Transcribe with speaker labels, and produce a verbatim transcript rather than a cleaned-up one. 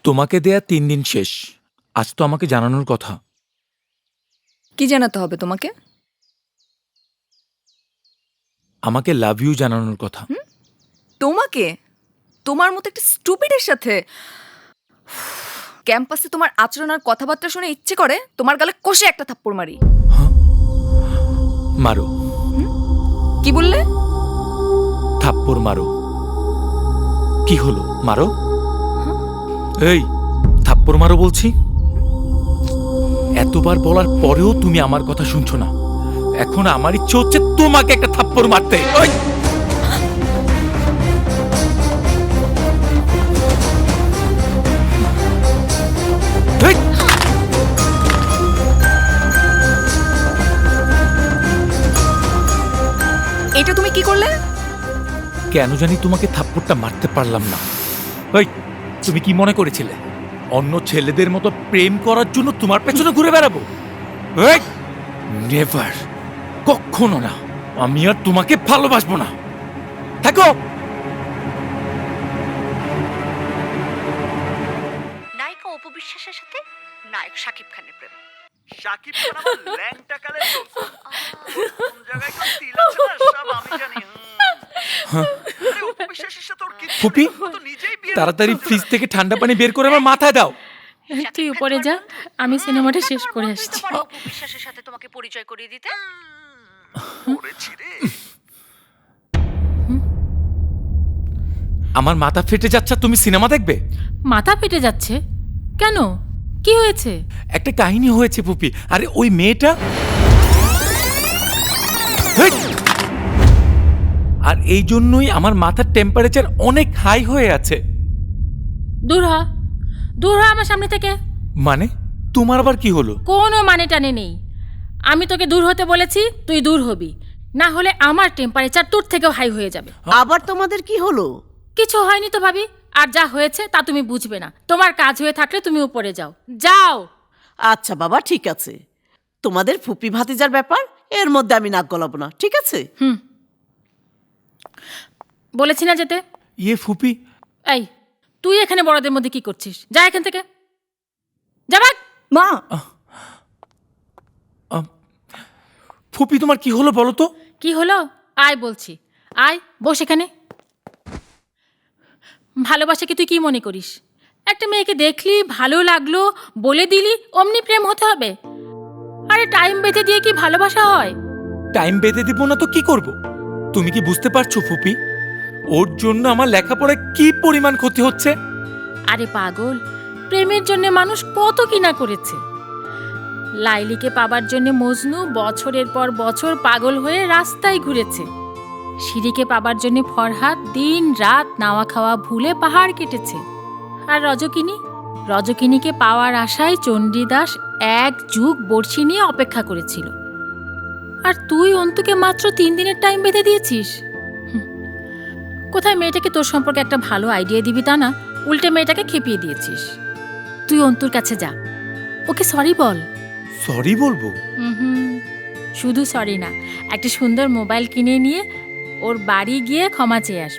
Speaker 1: তোমাকে দেয়া তিন দিন শেষ। আজ তো আমাকে জানানোর কথা।
Speaker 2: কি জানাতে হবে তোমাকে?
Speaker 1: আমাকে লাভ ইউ জানানোর কথা।
Speaker 2: তোমাকে? তোমার মতো একটা স্টুপিডের সাথে? ক্যাম্পাসে তোমার আচরণ আর কথাবার্তা শুনে ইচ্ছে করে তোমার গালে কষে একটা থাপ্পড় মারি।
Speaker 1: মারো।
Speaker 2: কি বললে?
Speaker 1: থাপ্পড় মারো। কি হলো, মারো। এই থাপ্পড় মারো বলছি। এতবার বলার পরেও তুমি আমার কথা শুনছো না। এখন আমার ইচ্ছে হচ্ছে তোমাকে একটা থাপ্পড় মারতে। ওই! এই!
Speaker 2: এটা তুমি কি করলে?
Speaker 1: কেন জানি তোমাকে থাপ্পড়টা মারতে পারলাম না। ওই, তুমি কি মনে করেছিলে অন্য ছেলেদের মতো প্রেম করার জন্য তোমার পেছনে ঘুরে বেড়াবো? এই! নেভার, কখনো না। আমি আর তোমাকে ভালোবাসবো না। থাকো।
Speaker 3: নায়িকা অপু বিশ্বাসের সাথে নায়ক শাকিব খানের প্রেম।
Speaker 4: শাকিব খান আমার ল্যাংটা কালের দোস্ত। কোন জায়গায় কোন তিল আছে না সব আমি জানি। আরে অপু বিশ্বাসের সাথে ওর কিচ্ছু
Speaker 1: ফুপি,
Speaker 4: নেই, ও তো নিজেই বিয়ে
Speaker 1: তাড়াতাড়ি
Speaker 4: করতে
Speaker 1: ফ্রিজ থেকে ঠান্ডা পানি বের করে আমার মাথায় দাও।
Speaker 5: তুই উপরে যা, আমি সিনেমাটা শেষ করে আসছি।
Speaker 3: পারো অপু বিশ্বাসের সাথে তোমাকে পরিচয় করিয়ে দিতে।
Speaker 4: করেছি রে।
Speaker 1: আমার মাথা ফেটে যাচ্ছে, তুমি সিনেমা দেখবে?
Speaker 5: মাথা ফেটে যাচ্ছে কেন? কি হয়েছে?
Speaker 1: একটা কাহিনী হয়েছে ফুপি। আরে ওই মেয়েটা, হেই! আর এই জন্যই আমার মাথার টেম্পারেচার অনেক হাই হয়ে আছে।
Speaker 5: দূর হ, দূর হ আমার সামনে থেকে।
Speaker 1: মানে তোমার আবার কি হলো?
Speaker 5: কোনো মানে টানে নেই। আমি তোকে দূর হতে বলেছি, তুই দূর হবি, না হলে আমার টেম্পারেচার তোর থেকেও হাই হয়ে যাবে।
Speaker 6: আবার তোমাদের কি হলো?
Speaker 5: কিছু হয়নি তো ভাবি, আর যা হয়েছে তা তুমি বুঝবে না। তোমার কাজ হয়ে থাকলে তুমি উপরে যাও, যাও।
Speaker 6: আচ্ছা বাবা, ঠিক আছে। তোমাদের ফুপি ভাতিজার ব্যাপার, এর মধ্যে আমি নাক গলাবো না, ঠিক আছে?
Speaker 5: হুম, বলেছি না যেতে।
Speaker 1: ইয়ে ফুপি,
Speaker 5: এই, তুই এখানে বড়দের মধ্যে কি করছিস? যা এখান থেকে, যা ভাগ।
Speaker 2: মা,
Speaker 1: ফুপি তোমার কি হলো বলো তো?
Speaker 5: কি হলো? আয় বলছি, আয় বস এখানে। ভালোবাসাকে তুই কি মনে করিস? একটা মেয়েকে দেখলি, ভালো লাগলো, বলে দিলি, অমনি প্রেম হতে হবে? আরে টাইম বেঁধে দিয়ে কি ভালোবাসা হয়?
Speaker 1: টাইম বেঁধে দিব না তো কি করব? তুমি কি বুঝতে পারছো ফুপি, ওর জন্য আমার লেখাপড়ায় কি পরিমাণ ক্ষতি হচ্ছে?
Speaker 5: আরে পাগল, প্রেমের জন্য মানুষ কত কিনা করেছে। লাইলিকে পাবার জন্য মজনু বছরের পর বছর পাগল হয়ে রাস্তায় ঘুরেছে। সিঁড়িকে পাবার জন্য ফরহাদ দিন রাত নাওয়া খাওয়া ভুলে পাহাড় কেটেছে। আর রজকিনী, রজকিনীকে পাওয়ার আশায় চণ্ডীদাস এক যুগ বড়শি নিয়ে অপেক্ষা করেছিল। আর তুই অন্তুকে মাত্র তিন দিনের টাইম বেঁধে দিয়েছিস। হুম, কোথায় মেয়েটাকে তোর সম্পর্কে একটা ভালো আইডিয়া দিবি তা না, উল্টে মেয়েটাকে খেপিয়ে দিয়েছিস। তুই অন্তুর কাছে যা, ওকে সরি বল।
Speaker 1: সরি বলবো?
Speaker 5: হুম, শুধু সরি না, একটা সুন্দর মোবাইল কিনে নিয়ে ওর বাড়ি গিয়ে ক্ষমা চেয়ে আসবি।